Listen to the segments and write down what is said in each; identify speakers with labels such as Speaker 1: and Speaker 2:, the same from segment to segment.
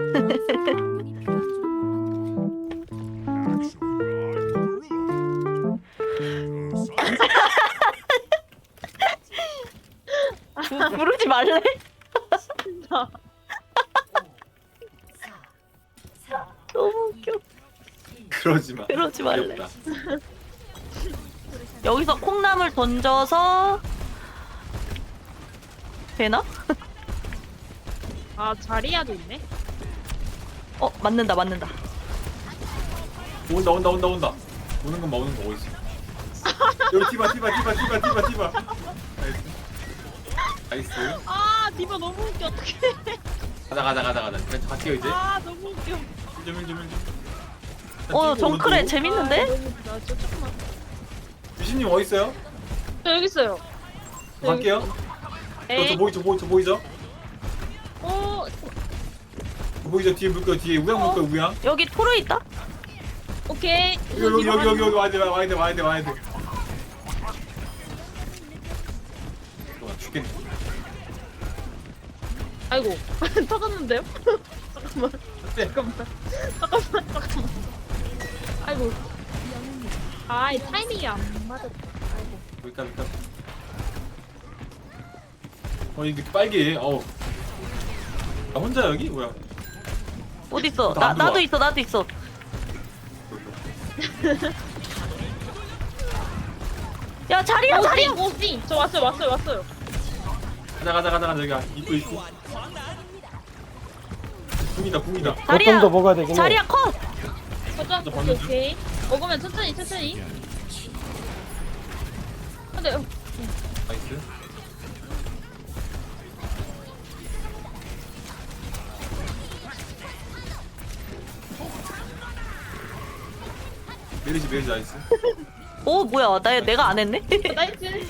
Speaker 1: 부르지 말래? 너무 웃겨.
Speaker 2: 그러지 마.
Speaker 1: 그러지 말래.
Speaker 2: 귀엽다.
Speaker 1: 여기서 콩나물 던져서 되나?
Speaker 3: 아 자리야도 있네.
Speaker 1: 맞는다 맞는다.
Speaker 2: 온다. 오는 건 봐, 오는 거 어딨어? 여기 티바. 나이스.
Speaker 3: 아 디바 너무 웃겨 어떡해.
Speaker 2: 가자. 그냥 갈게요 이제.
Speaker 3: 아 너무 웃겨.
Speaker 2: 1점.
Speaker 1: 정크레 재밌는데?
Speaker 3: 아, 너무 웃기다. 저 조금만.
Speaker 2: 유신님 어디 있어요?
Speaker 3: 저 여기 있어요.
Speaker 2: 갈게요.
Speaker 3: 에이.
Speaker 2: 저 보이죠?
Speaker 3: 어
Speaker 2: 보이죠? 뒤에 물 거예요. 뒤에 우양 물 거예요. 우양.
Speaker 1: 여기 토르 있다?
Speaker 3: 오케이.
Speaker 2: 여기 와야 돼. 잠깐만 죽겠네.
Speaker 3: 아이고 터졌는데요? 잠깐만.
Speaker 2: 네.
Speaker 3: 아이고. 아, 이 타이밍이 안 맞았다. 아이고.
Speaker 2: 여기까지. 이게 빨개. 나 혼자 여기? 뭐야?
Speaker 1: 어딨어?
Speaker 2: 나안 들어와.
Speaker 1: 나도 있어. 야 자리야.
Speaker 3: 오씨. 저 왔어요.
Speaker 2: 가자. 여기 입구. 궁이다.
Speaker 1: 자리야.
Speaker 4: 거점도 먹어야 되긴 해.
Speaker 1: 자리야 컷.
Speaker 3: 거점.
Speaker 2: 저 봤는데?
Speaker 3: 오케이. 먹으면 천천히. 근데
Speaker 2: 나이스. 메리지 나이스.
Speaker 1: 뭐야? 내가 안 했네?
Speaker 3: 나이스.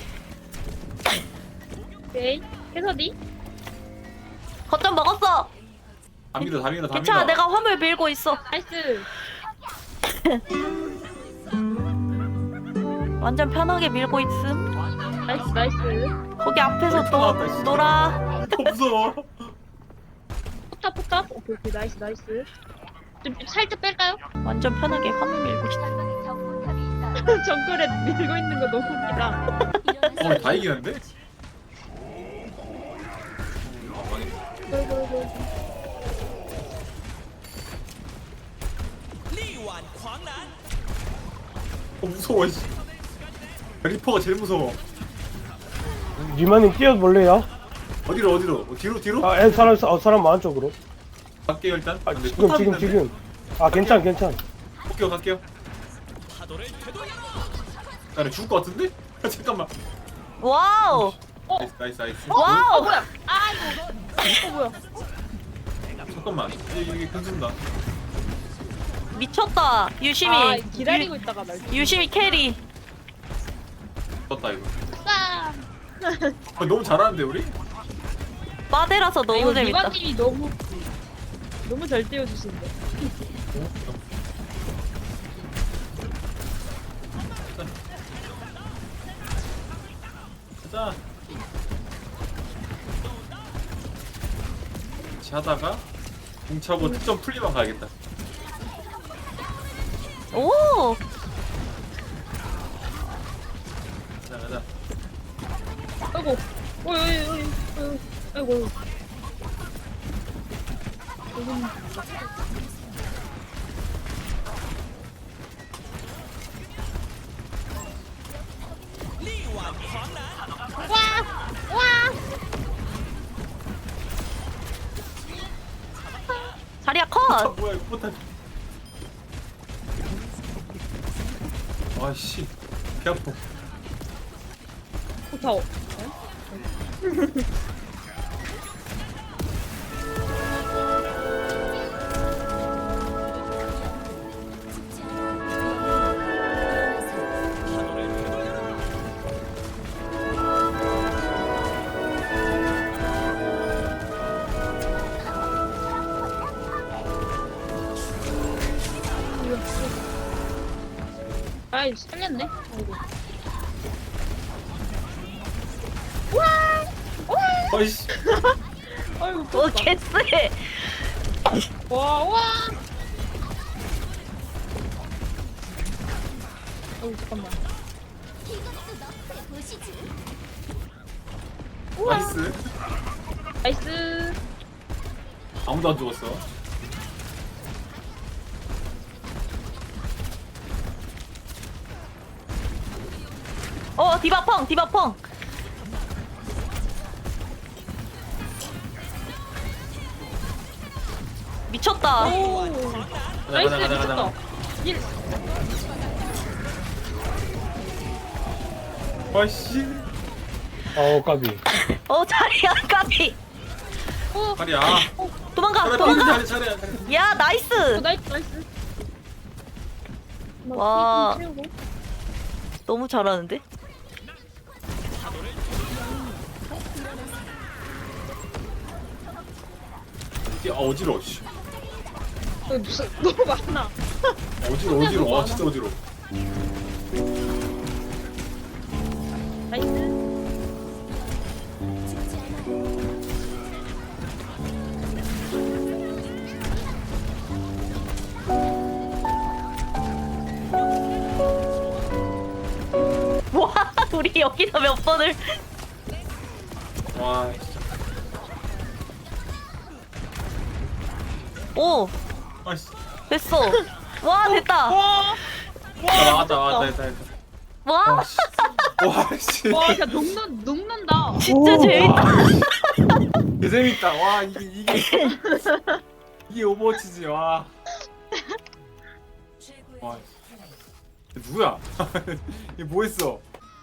Speaker 3: 오케이. 해서디.
Speaker 1: 거점 먹었어.
Speaker 2: 다 밀어.
Speaker 1: 괜찮아. 내가 화물 밀고 있어.
Speaker 3: 나이스.
Speaker 1: 완전 편하게 밀고 있음.
Speaker 3: 나이스.
Speaker 1: 거기 앞에서
Speaker 2: 여기
Speaker 1: 또
Speaker 2: 나왔다, 씨.
Speaker 1: 놀아.
Speaker 2: 무서워.
Speaker 3: 포탑. 오케이. 나이스. 좀 살짝 뺄까요?
Speaker 1: 완전 편하게 화물 밀고 있어.
Speaker 3: 정글에 밀고 있는 거 너무 웃기다.
Speaker 2: 다 이기는데? 망했다. 무서워. 씨. 리퍼가 제일 무서워.
Speaker 4: 리마님 뛰어볼래요?
Speaker 2: 어디로? 뒤로?
Speaker 4: 사람 많은 쪽으로.
Speaker 2: 갈게요 일단.
Speaker 4: 아,
Speaker 2: 근데
Speaker 4: 지금.
Speaker 2: 포탑 있는데.
Speaker 4: 아, 괜찮.
Speaker 2: 갈게요. 나 죽을 것 같은데? 잠깐만.
Speaker 1: 와우.
Speaker 2: 나이스.
Speaker 1: 와우.
Speaker 3: 뭐야? 이거. 뭐야?
Speaker 2: 잠깐만. 이게 괜찮다.
Speaker 1: 미쳤다. 유심히.
Speaker 3: 기다리고 있다가 날.
Speaker 1: 유심히 캐리.
Speaker 2: 떴다 이거.
Speaker 3: 싸.
Speaker 2: 너무 잘하는데 우리?
Speaker 1: 빠데라서 너무 재밌다.
Speaker 3: 리바님이 너무 잘 띄워주시는데.
Speaker 2: 가자. 같이 하다가 공차고 특점 풀리만 가야겠다.
Speaker 1: 오.
Speaker 2: 가자.
Speaker 3: 아이고. 어이. 아이고. 와.
Speaker 1: 자리야 컷.
Speaker 2: 뭐야 이거 포탈. 아씨. 배 아파.
Speaker 3: 타워. 아이 살렸네. 아이고.
Speaker 2: 아이씨.
Speaker 3: 아이고.
Speaker 1: 개쎄.
Speaker 3: 와. 잠깐만.
Speaker 2: 나이스.
Speaker 3: 나이스.
Speaker 2: 아무도 안 죽었어.
Speaker 1: 디바 펑, 디바 펑. 미쳤다.
Speaker 3: 오. 나이스,
Speaker 2: 가자, 가자,
Speaker 3: 미쳤다.
Speaker 2: 가자.
Speaker 3: 일.
Speaker 2: 아씨.
Speaker 4: 까비.
Speaker 1: 자리야, 까비.
Speaker 2: 다리야.
Speaker 1: 도망가,
Speaker 2: 차례
Speaker 1: 도망가.
Speaker 2: 차례.
Speaker 1: 야, 나이스.
Speaker 3: 나이스.
Speaker 1: 와.
Speaker 3: 채우고.
Speaker 1: 너무 잘하는데?
Speaker 2: 어지러워. 씨.
Speaker 3: 무슨 너무 많아.
Speaker 2: 어지러워. 와 진짜 어지러워.
Speaker 3: 나이스.
Speaker 1: 와, 우리 여기서 몇 번을.
Speaker 2: 와 진짜.
Speaker 1: 오,
Speaker 2: 아씨.
Speaker 1: 됐어. 와, 됐다.
Speaker 3: 와.
Speaker 2: 나왔다.
Speaker 1: 와,
Speaker 2: 와 씨. 와 씨.
Speaker 3: 와, 진짜 녹는다.
Speaker 1: 진짜 재밌다.
Speaker 2: 개 재밌다. 와 이게 오버워치지. 와. 와. 누구야? 이게 뭐 했어?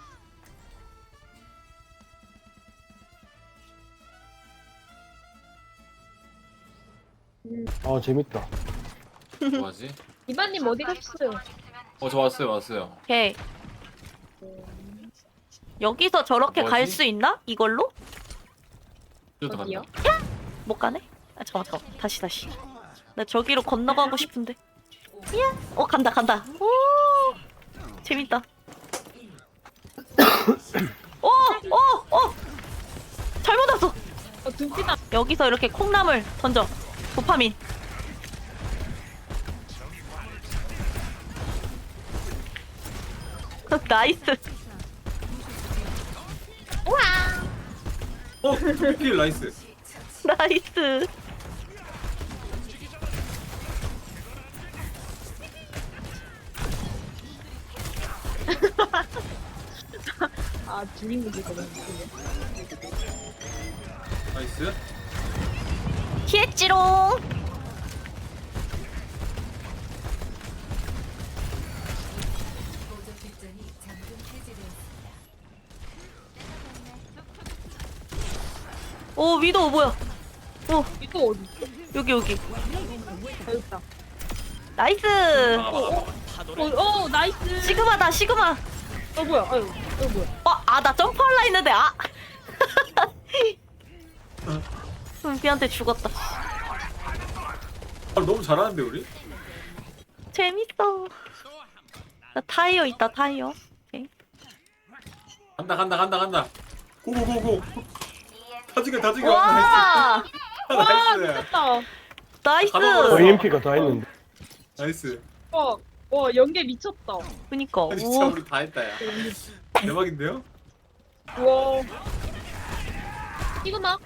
Speaker 4: 재밌다.
Speaker 2: 뭐하지?
Speaker 3: 이반님 어디 가셨어요?
Speaker 2: 저 왔어요.
Speaker 1: 오케이. 여기서 저렇게
Speaker 2: 뭐지?
Speaker 1: 갈 수 있나? 이걸로?
Speaker 2: 저도
Speaker 3: 어디요?
Speaker 2: 간다.
Speaker 1: 못 가네? 잠깐만. 다시. 나 저기로 건너가고 싶은데. 야, 간다. 오, 재밌다. 잘못 왔어.
Speaker 3: 눈빛 안.
Speaker 1: 여기서 이렇게 콩나물 던져. 도파민. 나이스.
Speaker 2: 필 나이스.
Speaker 1: 나이스.
Speaker 3: 주인공이거든.
Speaker 2: 나이스.
Speaker 1: 피했지롱. 오, 위도 뭐야? 오,
Speaker 3: 이거 어디 있어?
Speaker 1: 여기.
Speaker 3: 여기 있다.
Speaker 1: 나이스.
Speaker 3: 나이스.
Speaker 1: 시그마다, 시그마.
Speaker 3: 뭐야? 뭐야?
Speaker 1: 나 점프할라 했는데, 은비한테 죽었다.
Speaker 2: 너무 잘하는데 우리?
Speaker 1: 재밌어. 나 타이어 있다, 타이어. 오케이.
Speaker 2: 간다. 고고고고. 다 죽여.
Speaker 1: 와!
Speaker 2: 나이스.
Speaker 3: 미쳤다.
Speaker 1: 나이스.
Speaker 2: 가둬버렸어.
Speaker 4: EMP가 다 했는데.
Speaker 2: 나이스.
Speaker 3: 연계 미쳤다.
Speaker 1: 그니까.
Speaker 2: 진짜
Speaker 1: 오.
Speaker 2: 우리 다 했다 야. 대박인데요?
Speaker 3: 와. 시그마.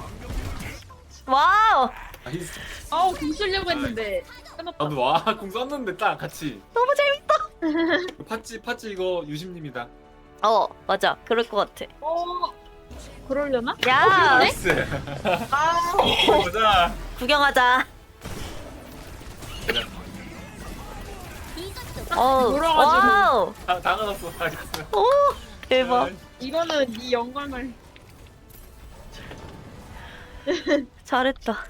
Speaker 1: 와우.
Speaker 2: 나이스.
Speaker 3: 공 쓰려고 했는데 끝났다.
Speaker 2: 나도 와궁 썼는데 딱 같이.
Speaker 1: 너무 재밌다.
Speaker 2: 파찌 이거 유심님이다.
Speaker 1: 맞아. 그럴 것 같아.
Speaker 3: 그러려나?
Speaker 1: 야,
Speaker 2: 나이스. 보자.
Speaker 1: 구경하자.
Speaker 3: 돌아가지고.
Speaker 1: 와우.
Speaker 2: 다 가졌어. 나이스.
Speaker 1: 오, 대박.
Speaker 3: 이거는 네 영광을.
Speaker 1: 잘했다.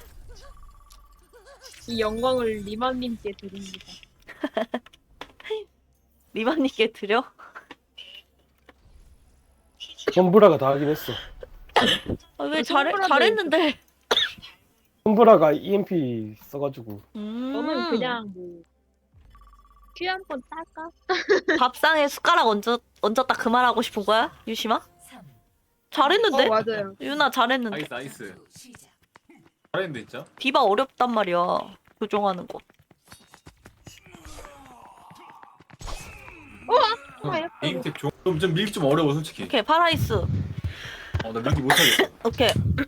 Speaker 3: 이 영광을 리만님께 드립니다.
Speaker 1: 리바님께 드려?
Speaker 4: 손브라가 다 하긴 했어.
Speaker 1: 왜
Speaker 3: 손가락에
Speaker 1: 잘했는데?
Speaker 4: 손브라가 EMP 써가지고.
Speaker 3: 너는 그냥 퀴 한 번 딸까?
Speaker 1: 밥상에 숟가락 얹었다 그 말 하고 싶은 거야? 유심아? 잘했는데?
Speaker 3: 맞아요.
Speaker 1: 유나 잘했는데.
Speaker 2: 나이스. 잘했는데 진짜.
Speaker 1: 디바 어렵단 말이야. 조종하는 거.
Speaker 2: 게임텍 좀 밀기 좀 어려워 솔직히.
Speaker 1: 오케이 파라이스.
Speaker 2: 나 밀기 못하겠어.
Speaker 1: 오케이.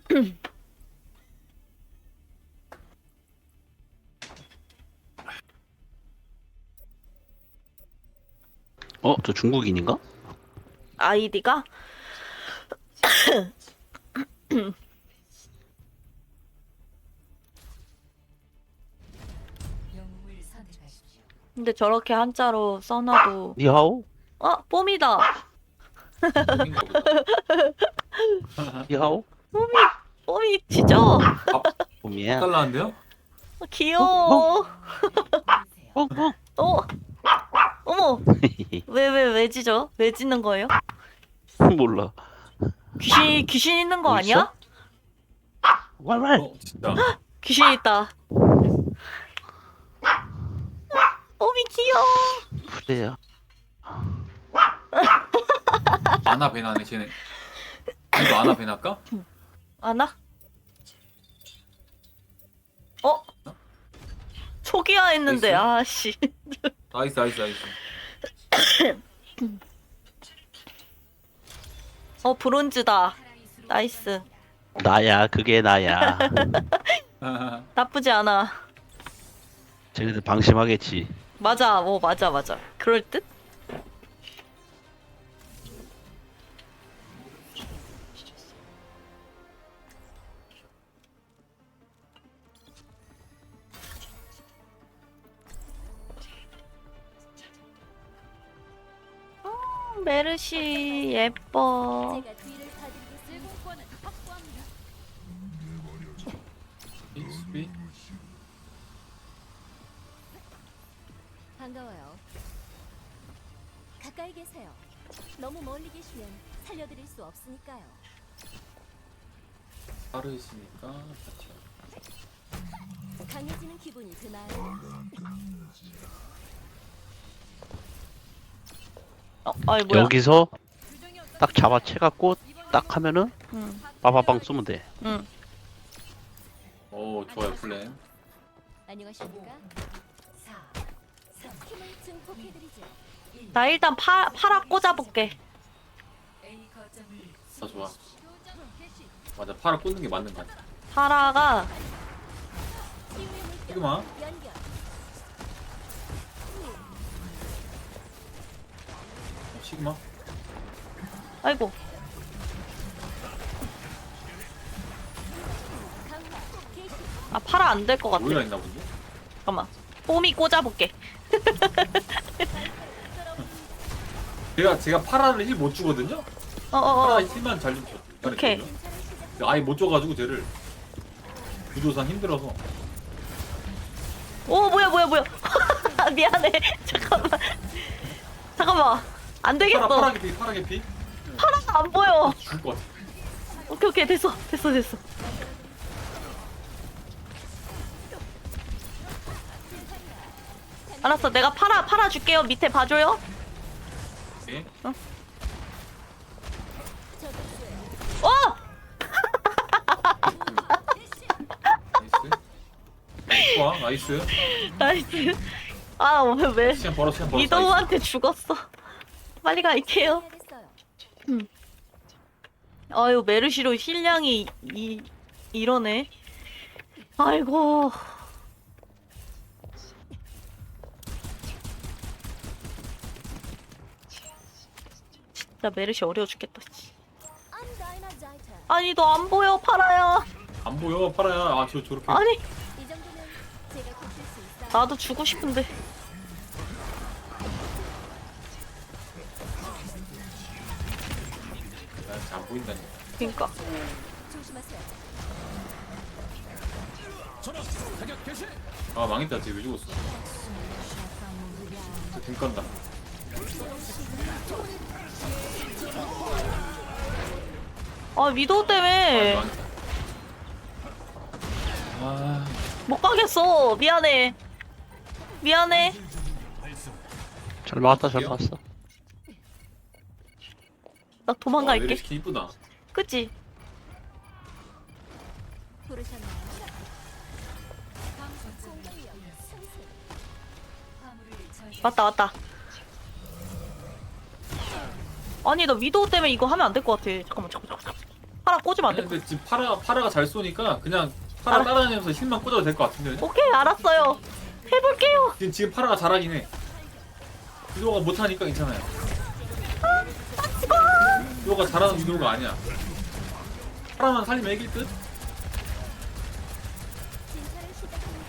Speaker 5: 저 중국인인가?
Speaker 1: 아이디가 근데 저렇게 한자로 써놔도
Speaker 5: 니하오?
Speaker 1: 뽐이다.
Speaker 2: 게임인가 보다.
Speaker 5: 니하오?
Speaker 1: 뽐이 지죠?
Speaker 5: 봄이야.
Speaker 2: 달라는데요?
Speaker 1: 귀여워.
Speaker 5: 어?
Speaker 1: 어머. 왜 지죠? 왜 짖는 거예요?
Speaker 5: 몰라.
Speaker 1: 귀신 있는 거
Speaker 5: 뭐
Speaker 1: 아니야?
Speaker 5: 왈왈.
Speaker 2: 진짜.
Speaker 1: 귀신 있다. 뽐이 귀여워.
Speaker 5: 그래요.
Speaker 2: 아나 베나네 쟤네. 이거 아나 베나까?
Speaker 1: 아나? 초기화 했는데
Speaker 2: 나이스.
Speaker 1: 아씨.
Speaker 2: 나이스.
Speaker 1: 브론즈다. 나이스.
Speaker 5: 나야, 그게 나야.
Speaker 1: 나쁘지 않아.
Speaker 5: 쟤네들 방심하겠지.
Speaker 1: 맞아. 맞아. 그럴 듯? 메르시 예뻐.
Speaker 6: 제가 뒤를 봐드리겠습니다. 공권은 확보합니다.
Speaker 2: 수비.
Speaker 6: 반가워요. 가까이 계세요. 너무 멀리 계시면 살려드릴 수 없으니까요.
Speaker 2: 빠르시니까.
Speaker 6: 강해지는 기분이 드나요?
Speaker 1: 아이 뭐야?
Speaker 5: 여기서 딱 잡아채갖고 딱 하면은
Speaker 1: 응.
Speaker 5: 빠바방 쏘면 돼.
Speaker 1: 응.
Speaker 2: 좋아요 플랜.
Speaker 6: 안녕하십니까? 힘을 증폭해드리죠.
Speaker 1: 나 일단 파라 꽂아볼게.
Speaker 2: 좋아. 맞아 팔을 꽂는 게 맞는 거 같아.
Speaker 1: 파라가
Speaker 6: 치유의 물결
Speaker 2: 시그마.
Speaker 6: 연결.
Speaker 2: 시그마.
Speaker 1: 아이고
Speaker 6: 강화 개시.
Speaker 1: 파라 안 될 것 같아.
Speaker 2: 오히려 있나 본데.
Speaker 1: 잠깐만. 뽐이 꽂아볼게.
Speaker 2: 제가 파라를 힐 못 주거든요.
Speaker 1: 어어어.
Speaker 2: 파라 힐만 잘 줘.
Speaker 1: 오케이.
Speaker 2: 아예 못 줘가지고 쟤를 구조상 힘들어서.
Speaker 1: 오 뭐야. 미안해. 잠깐만. 안 되겠어.
Speaker 2: 파라 개피.
Speaker 1: 파라가 안 보여.
Speaker 2: 죽을 것 같아.
Speaker 1: 오케이 됐어. 알았어. 내가 파라 줄게요. 밑에 봐줘요.
Speaker 2: 오케이. 나이스. 좋아 나이스.
Speaker 1: 나이스. 왜
Speaker 2: 시간 벌어. 나이스.
Speaker 1: 이도우한테 죽었어. 빨리 갈게요.
Speaker 6: 해야겠어요.
Speaker 1: 아유 메르시로 힐량이 이러네. 아이고. 진짜 메르시 어려워 죽겠다. 씨.
Speaker 6: Undynazeite.
Speaker 1: 아니 너 안 보여 파라야.
Speaker 2: 안 보여 파라야. 저렇게.
Speaker 1: 아니
Speaker 6: 이 정도면 제가 고칠 수 있어요.
Speaker 1: 나도 주고 싶은데.
Speaker 2: 안 보인다니까.
Speaker 1: 그니까.
Speaker 6: 조심하세요.
Speaker 2: 망했다. 쟤 왜 죽었어? 등 깐다.
Speaker 1: 위도우 때문에
Speaker 2: 망했다.
Speaker 1: 못 가겠어. 미안해.
Speaker 5: 잘 막았다, 잘 막았어.
Speaker 1: 나 도망갈게.
Speaker 2: 메르시 이쁘다.
Speaker 1: 그치?
Speaker 6: 부르셨나요?
Speaker 1: 왔다 왔다. 아니 나 위도우 때문에 이거 하면 안 될 것 같아. 잠깐만. 파라 꽂으면 안 돼.
Speaker 2: 근데 지금 파라가 잘 쏘니까 그냥 파라 따라다니면서 힐만 꽂아도 될 것 같은데.
Speaker 1: 오케이 알았어요. 해볼게요.
Speaker 2: 지금 파라가 잘하긴 해. 위도가 못하니까 괜찮아요. 위도가 잘하는 위도가 아니야. 파라만 살리면 이길 듯?
Speaker 6: 진찰을 시작합니다.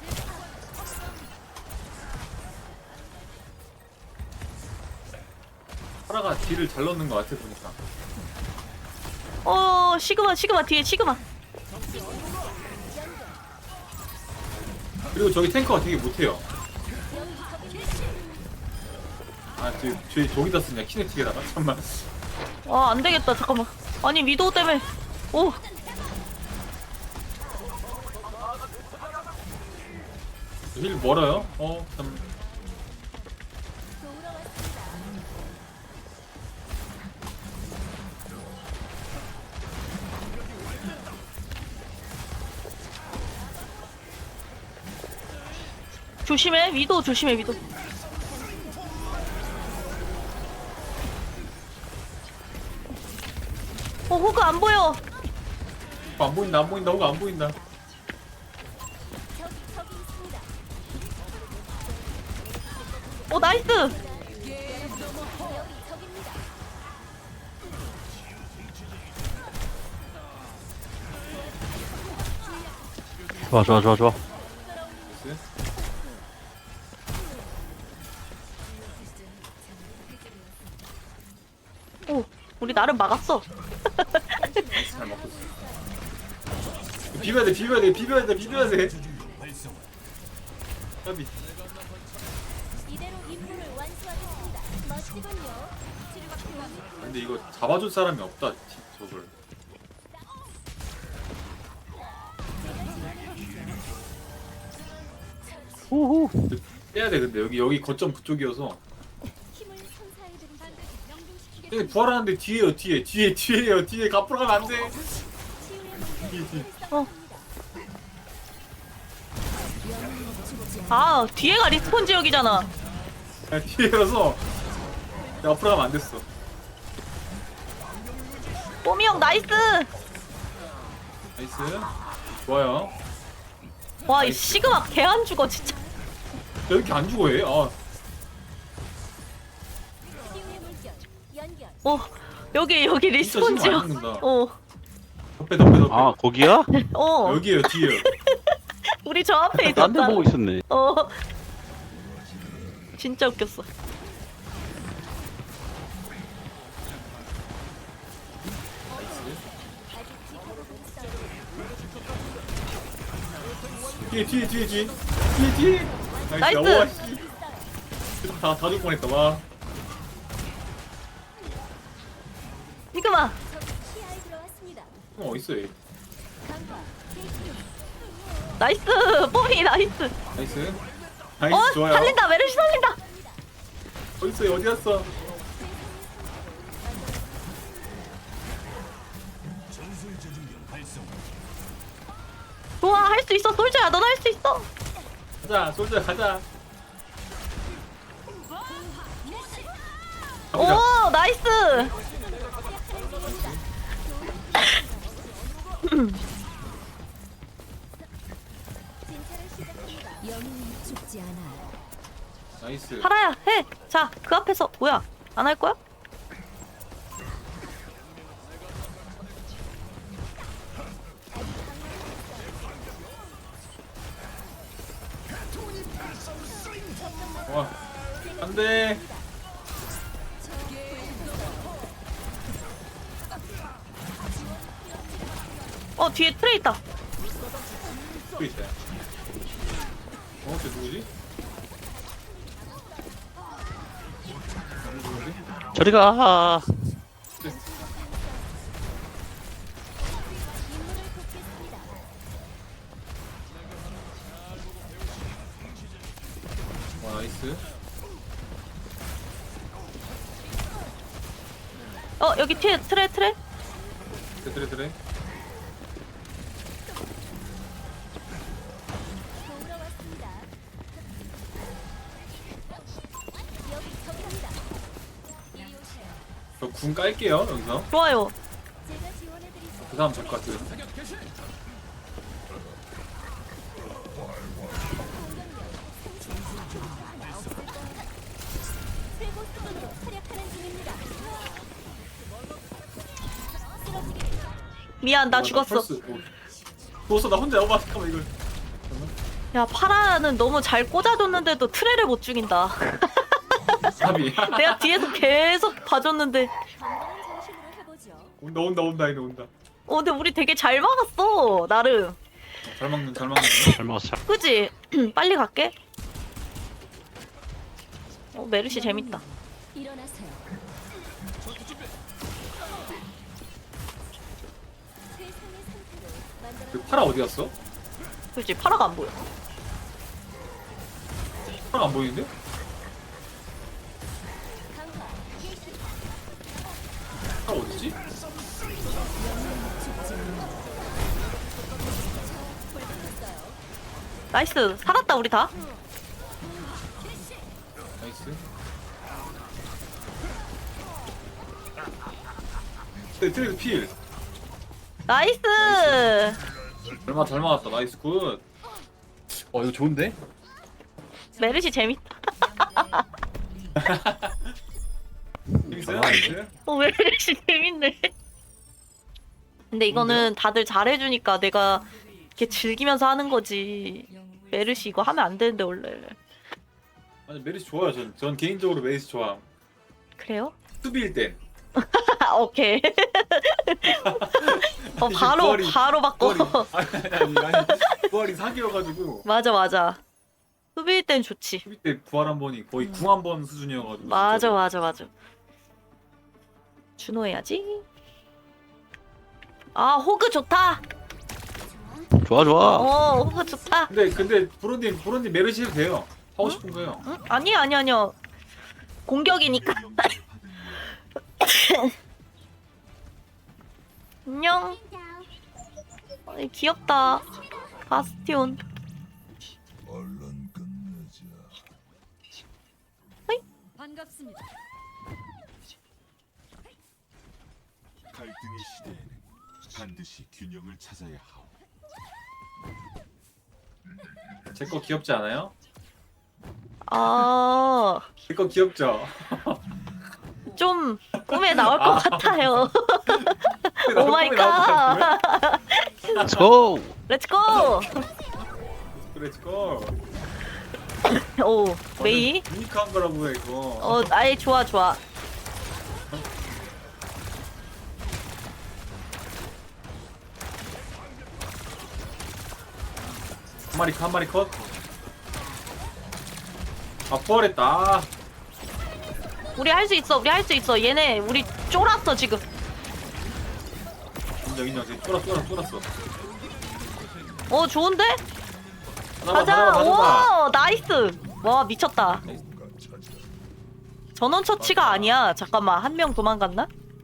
Speaker 2: 파라가 딜을 잘 넣는 것 같아 보니까.
Speaker 1: 시그마 뒤에 시그마.
Speaker 2: 그리고 저기 탱커가 되게 못해요. 저기다 쓰냐 키네틱에다가 잠깐만.
Speaker 1: 아 안 되겠다. 잠깐만. 아니 위도우 때문에. 오.
Speaker 2: 힐 멀어요? 참.
Speaker 6: 도우러 왔습니다.
Speaker 1: 조심해 위도우 조심해 위도우. 호그 안 보여.
Speaker 2: 안 보인다 호가 안 보인다.
Speaker 6: 저기 있습니다.
Speaker 1: 나이스.
Speaker 6: 여기 적입니다.
Speaker 5: 좋아.
Speaker 2: 나이스.
Speaker 1: 오 우리 나름 막았어.
Speaker 2: 잘 먹고 있어. 비벼야 돼. 까비.
Speaker 6: 이대로 임무를 완수하겠습니다. 멋지군요. 치료가 필요합니다.
Speaker 2: 근데 이거 잡아줄 사람이 없다. 저걸.
Speaker 5: 후후.
Speaker 2: 빼야 돼. 근데 여기 거점 그쪽이어서.
Speaker 6: 힘을 선사해드리죠.
Speaker 2: 근데 부활하는데 뒤에요. 뒤에 앞으로 가면 안 돼.
Speaker 6: 치유의 물결
Speaker 2: 뒤에.
Speaker 1: 아 뒤에가 리스폰 지역이잖아.
Speaker 2: 뒤에라서 앞으로 가면 안 됐어.
Speaker 1: 뽀미 형 나이스.
Speaker 2: 나이스. 좋아요.
Speaker 1: 와 이 시그마 개 안 죽어 진짜.
Speaker 2: 왜 이렇게 안 죽어 얘?
Speaker 6: 치유의 물결 연결.
Speaker 1: 여기 리스폰
Speaker 2: 진짜 시그마 안
Speaker 1: 지역.
Speaker 2: 죽는다. 덮에.
Speaker 5: 아 거기야?
Speaker 2: 여기에요 뒤에요.
Speaker 1: 우리 저 앞에
Speaker 5: 딴 데
Speaker 1: 있었잖아.
Speaker 5: 보고 있었네.
Speaker 1: 진짜 웃겼어.
Speaker 2: 뒤에.
Speaker 1: 나이스.
Speaker 2: 와, 씨. 다 죽을 뻔했다. 와.
Speaker 1: 시그마.
Speaker 6: 적이 시야에 들어왔습니다.
Speaker 2: 어딨어 얘?
Speaker 6: 강화 대기.
Speaker 1: 나이스. 뽀미 나이스.
Speaker 2: 나이스. 나이스 좋아요.
Speaker 1: 살린다. 메르시 살린다.
Speaker 2: 어딨어 얘? 어디 갔어?
Speaker 1: 좋아 할 수 있어. 솔저야 넌 할 수 있어.
Speaker 2: 가자 솔저 가자. 가보자.
Speaker 1: 오 나이스.
Speaker 6: 진찰을 시작합니다. 영웅은 죽지 않아요.
Speaker 2: 나이스.
Speaker 1: 파라야 해. 자 그 앞에서 뭐야 안 할 거야?
Speaker 2: 와. 안돼.
Speaker 1: 뒤에 트레 있다.
Speaker 2: 또 있다. 쟤 누구지? 누구지?
Speaker 5: 저리 가.
Speaker 6: 임무를 돕겠습니다.
Speaker 2: 와 나이스.
Speaker 1: 여기 뒤에 트레.
Speaker 2: 그래.
Speaker 6: 도우러 왔습니다.
Speaker 2: 궁 깔게요 여기서.
Speaker 1: 좋아요.
Speaker 6: 제가 지원해드리죠.
Speaker 2: 그 다음 될 것 같아요.
Speaker 6: 최고 수준으로 활약하는 중입니다.
Speaker 1: 미안, 나 죽었어.
Speaker 2: 죽었어 나 혼자. 어머 잠깐만 이걸.
Speaker 1: 야, 파라는 너무 잘 꽂아줬는데도 트레를 못 죽인다.
Speaker 2: 사비.
Speaker 1: 내가 뒤에서 계속 봐줬는데.
Speaker 6: 건강한 정신으로 해보죠.
Speaker 2: 온다 이거 온다.
Speaker 1: 근데 우리 되게 잘 막았어, 나름.
Speaker 2: 잘 막는 잘 막는.
Speaker 5: 잘 먹었어.
Speaker 1: 그지? 빨리 갈게. 메르시 재밌다.
Speaker 6: 일어나세요. 세상의 상태로 만들어.
Speaker 2: 그 파라 어디 갔어?
Speaker 1: 그지? 파라가 안 보여.
Speaker 2: 파라 안 보이는데?
Speaker 6: 강화.
Speaker 2: 파라 어디지?
Speaker 1: 나이스. 살았다, 우리 다.
Speaker 2: 나이스. 트레이드 필.
Speaker 1: 나이스.
Speaker 2: 얼마 잘 막았다. 나이스 굿. 이거 좋은데?
Speaker 1: 메르시 재밌다.
Speaker 2: 재밌어요? 나이스.
Speaker 1: 메르시 재밌네. 근데 이거는 다들 잘해주니까 내가 이렇게 즐기면서 하는 거지. 메르시 이거 하면 안 되는데 원래.
Speaker 2: 아니 메리스 좋아요. 전 개인적으로 메리스 좋아.
Speaker 1: 그래요?
Speaker 2: 수비일 땐.
Speaker 1: 오케이.
Speaker 2: 아니,
Speaker 1: 바로
Speaker 2: 부활이-
Speaker 1: 바로 바꿔.
Speaker 2: 아니 부활이 사기여가지고
Speaker 1: 맞아. 수비일 땐 좋지.
Speaker 2: 수비 때 부활 한 번이 거의 궁 한 번 수준이어가지고.
Speaker 1: 맞아. 준호해야지. 아, 호그 좋다.
Speaker 5: 좋아 좋아.
Speaker 1: 호그 좋다.
Speaker 2: 근데 브론님 메르시 해도 돼요. 하고 싶은 거예요.
Speaker 1: 응? 아니야. 공격이니까. 안녕. 어이, 귀엽다. 바스티온.
Speaker 6: 반갑습니다.
Speaker 7: 갈등의 시대에는 반드시 균형을 찾아야 하오.
Speaker 2: 제 거 귀엽지 않아요?
Speaker 1: 아,
Speaker 2: 제 거 귀엽죠?
Speaker 1: 좀 꿈에 나올 것 같아요.
Speaker 2: 나도
Speaker 1: 오 마이
Speaker 2: 꿈에 나올 것
Speaker 1: 갓.
Speaker 2: 같은데?
Speaker 5: Let's go.
Speaker 1: 렛츠고.
Speaker 2: 그래 고.
Speaker 1: 오, 메이.
Speaker 2: 유니크한 거라고 해 이거.
Speaker 1: 아예 좋아.
Speaker 2: 한 마리 컷. 부활했다.
Speaker 1: 우리 할 수 있어. 얘네 우리 쫄았어 지금.
Speaker 2: 인정. 지금 쫄았어.
Speaker 1: 좋은데?
Speaker 2: 하나만,
Speaker 1: 가자.
Speaker 2: 하나만.
Speaker 1: 오, 나이스. 와, 미쳤다. 전원 처치가 아니야. 잠깐만, 한 명 도망갔나?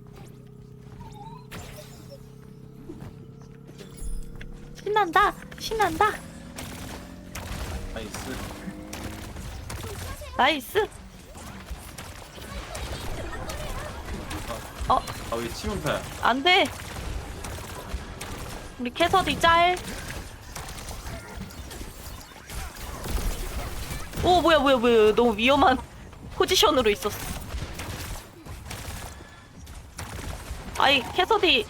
Speaker 1: 신난다.
Speaker 2: 나이스.
Speaker 1: 나이스.
Speaker 2: 왜 치명타야?
Speaker 1: 안 돼. 우리 캐서디 짤. 오, 뭐야. 너무 위험한 포지션으로 있었어. 아이, 캐서디.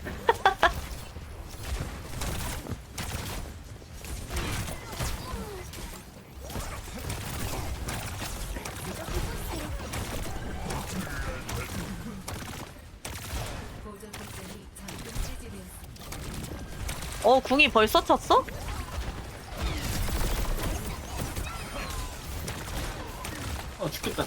Speaker 1: 궁이 벌써 찼어?
Speaker 2: 죽겠다.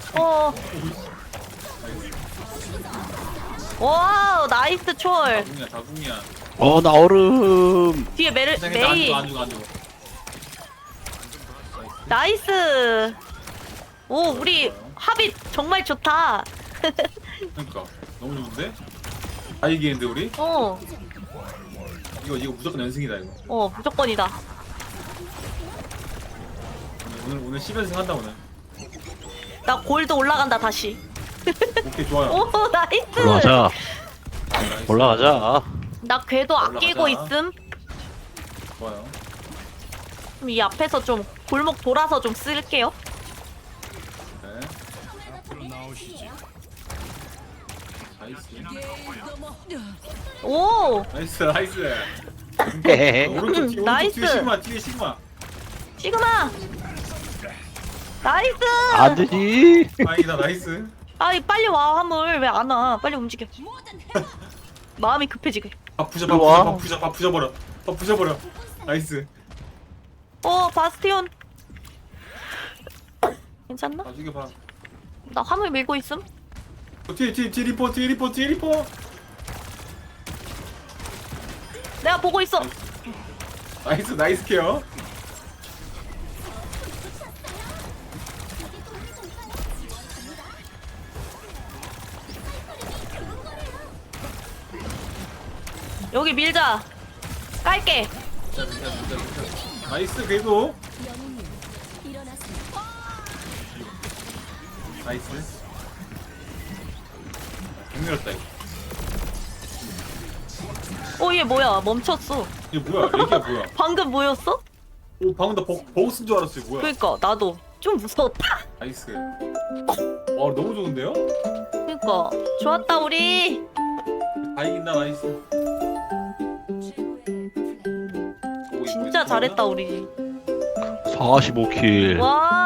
Speaker 1: 와우, 나이스 초월.
Speaker 2: 다궁이야.
Speaker 5: 나 얼음.
Speaker 1: 뒤에 메이.
Speaker 2: 안 죽어.
Speaker 1: 나이스. 오, 우리 합이 정말 좋다.
Speaker 2: 그러니까 너무 좋은데? 다 이기는데 우리? 이거 무조건 연승이다 이거.
Speaker 1: 무조건이다.
Speaker 2: 오늘 10연승 한다 오늘.
Speaker 1: 나 골드 올라간다 다시.
Speaker 2: 오케이 좋아요.
Speaker 1: 오 나이스.
Speaker 5: 올라가자.
Speaker 2: 나이스.
Speaker 5: 올라가자.
Speaker 1: 나 궤도 아끼고
Speaker 2: 올라가자.
Speaker 1: 있음.
Speaker 2: 좋아요.
Speaker 1: 그럼 이 앞에서 좀 골목 돌아서 좀 쓸게요.
Speaker 2: 네. 나이스.
Speaker 1: 오
Speaker 2: 나이스 나이스.
Speaker 5: 헤헤헤.
Speaker 2: 오른쪽 뒤
Speaker 1: 나이스.
Speaker 2: 뒤에 시그마 뒤에 시그마.
Speaker 1: 시그마. 나이스.
Speaker 5: 안 되지.
Speaker 2: 다행이다 나이스.
Speaker 1: 아이 빨리 와 화물 왜 안 와? 빨리 움직여. 마음이 급해 지금.
Speaker 2: 밥 부셔
Speaker 5: 일로 와.
Speaker 2: 밥 부셔버려. 밥 부셔버려. 나이스.
Speaker 1: 바스티온. 괜찮나?
Speaker 2: 아 죽여봐.
Speaker 1: 나 화물 밀고 있음.
Speaker 2: 뒤에 리포.
Speaker 1: 내가 보고 있어.
Speaker 2: 나이스 케어.
Speaker 1: 여기 밀자. 깔게.
Speaker 2: 나이스 그래도.
Speaker 6: 영웅님 일어나세요.
Speaker 2: 나이스. 힘들었다 이거.
Speaker 1: 얘 뭐야? 멈췄어.
Speaker 2: 이게 뭐야? 얘기야 뭐야?
Speaker 1: 방금 뭐였어?
Speaker 2: 오 방금 나 버그 쓴 줄 알았어요. 뭐야?
Speaker 1: 그니까 나도 좀 무서웠다.
Speaker 2: 나이스. 와 너무 좋은데요?
Speaker 1: 그니까 좋았다 우리.
Speaker 2: 다 이긴다 나이스. 오,
Speaker 1: 진짜
Speaker 2: 이거
Speaker 1: 잘했다 우리.
Speaker 5: 45킬.
Speaker 1: 와